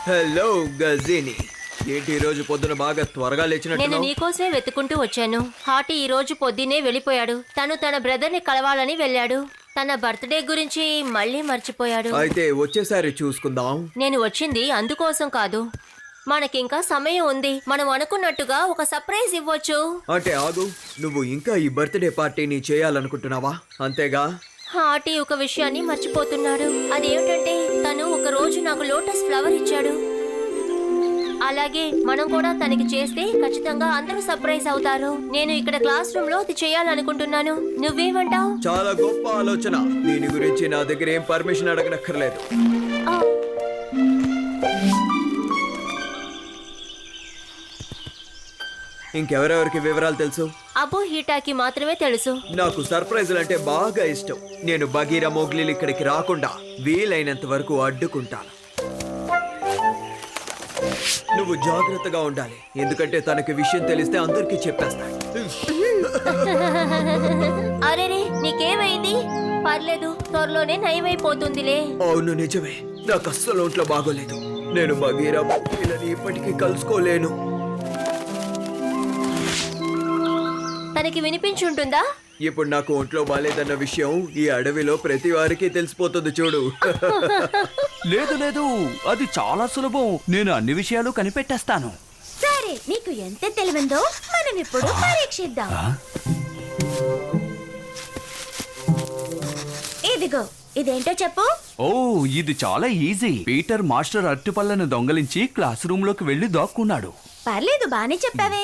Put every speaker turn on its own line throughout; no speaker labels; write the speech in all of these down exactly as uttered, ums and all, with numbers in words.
Hello Ghajini, ఏంటి ఈ రోజు పొద్దున బాగా త్వరగా లేచినట్టు?
నేను నీకోసమే వెతుకుంటూ వచ్చాను. హాటి ఈ రోజు పొద్దునే వెళ్ళిపోయాడు. తను తన బ్రదర్ ని కలవాలని వెళ్ళాడు. తన బర్త్డే గురించి మళ్ళీ మర్చిపోయాడు.
అయితే వచ్చేసారి చూసుకుందాం.
నేను వచ్చింది అందుకోసం కాదు. మనకింకా సమయం ఉంది. మనం అనుకున్నట్టుగా ఒక సర్ప్రైజ్ ఇవ్వచ్చు.
అంటే ఆగు, నువ్వు ఇంకా ఈ బర్త్డే పార్టీని చేయాలనుకుంటున్నావా? అంతేగా?
హాటి ఒక విషయాన్ని మర్చిపోతున్నాడు. అదేమిటంటే తను ఒక రోజు నాకు లోటస్ ఫ్లవర్ ఇచ్చాడు. అలాగే మనం కూడా తనకి చేస్తే ఖచ్చితంగా అందరూ సర్ప్రైజ్ అవుతారు. నేను ఇక్కడ క్లాస్ రూమ్ లో అది చేయాలనుకుంటున్నాను. నువ్వేమంటావు?
చాలా గొప్ప ఆలోచన. దీని గురించి నా దగ్గర ఏం పర్మిషన్ అడగనక్కర్లేదు. ఇంకెవరెవరికి వివరాలు తెలుసు?
అబు హీటాకి మాత్రమే తెలుసు.
నాకు సర్ప్రైజులు అంటే బాగా ఇష్టం. నేను బగీరా మోగ్లీలు ఇక్కడికి రాకుండా వీలైనంత వరకు అడ్డుకుంటాను. నువ్వు జాగ్రత్తగా ఉండాలి, ఎందుకంటే తనకి విషయం తెలిస్తే అందరికీ చెప్పేస్తాడు.
అరేరే, నీకేమైంది? పర్లేదు, త్వరలోనే నయమైపోతుందిలే.
అవును, నిజమే. నాకు అస్సలు ఒంట్లో బాగోలేదు. నేను బగీరా మోగ్లీలని ఇప్పటికీ కలుసుకోలేను.
తనకి వినిపించుంటుందా?
ఇప్పుడు నాకు ఒంట్లో బాలేదన్న విషయం ఈ అడవిలో ప్రతి వారికి తెలిసిపోతుంది చూడు.
లేదు లేదు, అది చాలా సులభం. నేను అన్ని విషయాలు కనిపెట్టేస్తాను.
సరే, నీకు ఎంత తెలివిందో మనం ఇప్పుడు పరీక్షిద్దాం. ఇదిగో, ఇదేంటో చెప్పు.
ఓ, ఇది చాలా ఈజీ. పీటర్ మాస్టర్ అరటిపళ్ళను దొంగలించి క్లాస్ రూమ్ లోకి వెళ్లి దాక్కున్నాడు.
పర్లేదు, బానే చెప్పావే.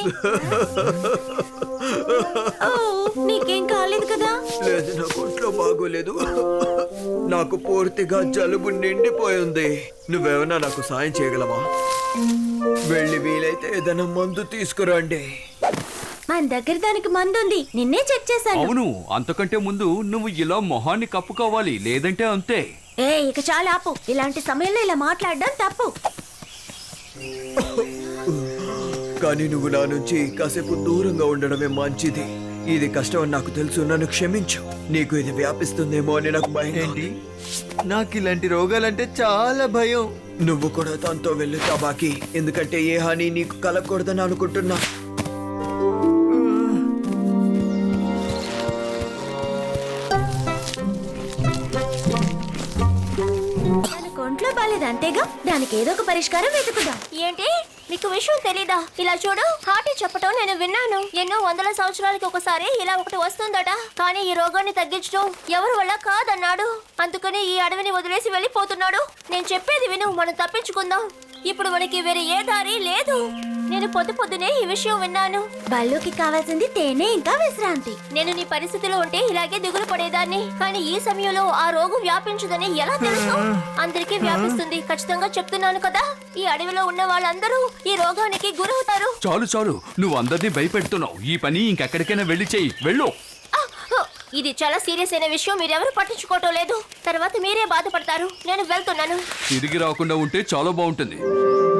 ఓ, నీకేం కాలేదు కదా?
లేదు, నాకు ఒంట్లో బాగోలేదు. నాకు పూర్తిగా జలుబు నిండిపోయింది. నువ్వేమన్నా నాకు సాయం చేయగలవా? వెళ్ళి వీలైతే ఏదైనా మందు తీసుకురండి.
మన దగ్గర దానికి మందు ఉంది. నిన్నే చెక్ చేశాను.
అవును, అంతకంటే ముందు నువ్వు ఇలా మొహాన్ని కప్పుకోవాలి, లేదంటే అంతే.
ఏ, ఇక చాలా ఆపు. ఇలాంటి సమయంలో ఇలా మాట్లాడడం తప్పు.
కానీ నువ్వు నా నుంచి కాసేపు దూరంగా ఉండడమే మంచిది. ఇది కష్టం అని నాకు తెలుసు, నన్ను క్షమించు. నీకు ఇది వ్యాపిస్తుందేమో అని నాకు భయం.
ఏంటి? నాకు ఇలాంటి రోగాలంటే చాలా భయం.
నువ్వు కూడా తనతో వెళ్ళు తబాకి, ఎందుకంటే ఏ హాని నీకు కలగకూడదని అనుకుంటున్నా.
దానికి ఒంట్లో బాలేదు అంతేగా, దానికి ఏదో ఒక పరిష్కారం వెతుకుదాం.
ఏంటి, నీకు విషయం తెలీదా? ఇలా చూడు, హాటి చెప్పటం నేను విన్నాను. ఎన్నో వందల సంవత్సరాలకి ఒకసారి ఇలా ఒకటి వస్తుందట. కానీ ఈ రోగాన్ని తగ్గించడం ఎవరి వల్ల కాదన్నాడు. అందుకని ఈ అడవిని వదిలేసి వెళ్ళిపోతున్నాడు. నేను చెప్పేది విను, మనం తప్పించుకుందాం. ఇప్పుడు మనకి వేరే ఏ దారి లేదు. నేను పొద్దు పొద్దునే ఈ విషయం విన్నాను.
బల్లుకి కావాల్సింది తేనె ఇంకా విశ్రాంతి.
నేను నీ పరిస్థితిలో ఉంటే ఇలాగే దిగులు పడేదాన్ని. కానీ ఈ సమయంలో ఆ రోగం వ్యాపించదని ఎలా తెలుసు? అందరికీ వ్యాపిస్తుంది, ఖచ్చితంగా చెప్తున్నాను కదా. ఈ అడవిలో ఉన్న వాళ్ళందరూ ఈ రోగానికి గురవుతారు.
చాలు చాలు, నువ్వు అందరినీ భయపెడుతున్నావు. ఈ పని ఇంకెక్కడికైనా వెళ్ళి చెయ్యి, వెళ్ళు.
ఇది చాలా సీరియస్ అయిన విషయం, మీరెవరు పట్టించుకోవటం లేదు. తర్వాత మీరే బాధపడతారు. నేను వెళ్తున్నాను.
తిరిగి రాకుండా ఉంటే చాలా బాగుంటుంది.